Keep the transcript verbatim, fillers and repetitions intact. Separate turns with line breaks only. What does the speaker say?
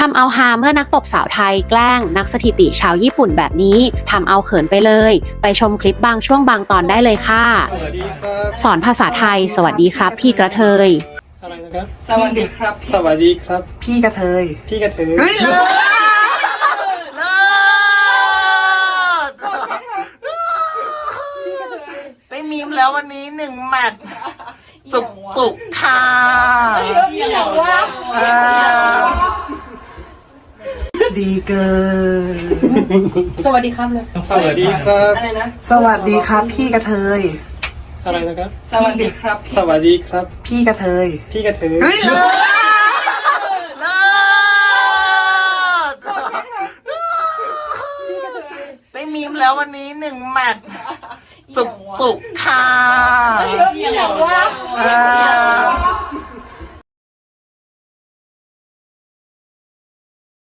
ำเอาฮาเมื่อนักตบสาวไทยแกล้งนักสถิติชาวญี่ปุ่นแบบนี้ทำเอาเขินไปเลยไปชมคลิปบางช่วงบางตอนได้เลยค่ะ
สวัสดีครับ
สอนภาษาไทยสวัสดีครับพี่กระเทย
อะไรนะครับ
สวัสดีครับ
สวัสดีครับ
พี่กระเทย
พี่กระเทย
เฮ้ยเลิศเลิศได้มีมแล้ววันนี้หนึ่งแมตช์สุกสุกค่ะอ่าดีเกิน
สวัสดีครับเลย
สวัสดีครับ
อะไรนะ
สวัสดีครับพี่กระเทย
อะไรนะครับ
สวัสดีครับ
สวัสดีครับ
พี่กระเทย
พี่กระเทย
เฮ้ยเลิศเลิศได้มีมแล้ววันนี้หนึ่งแมตช์สุกสุกค่ะอ่า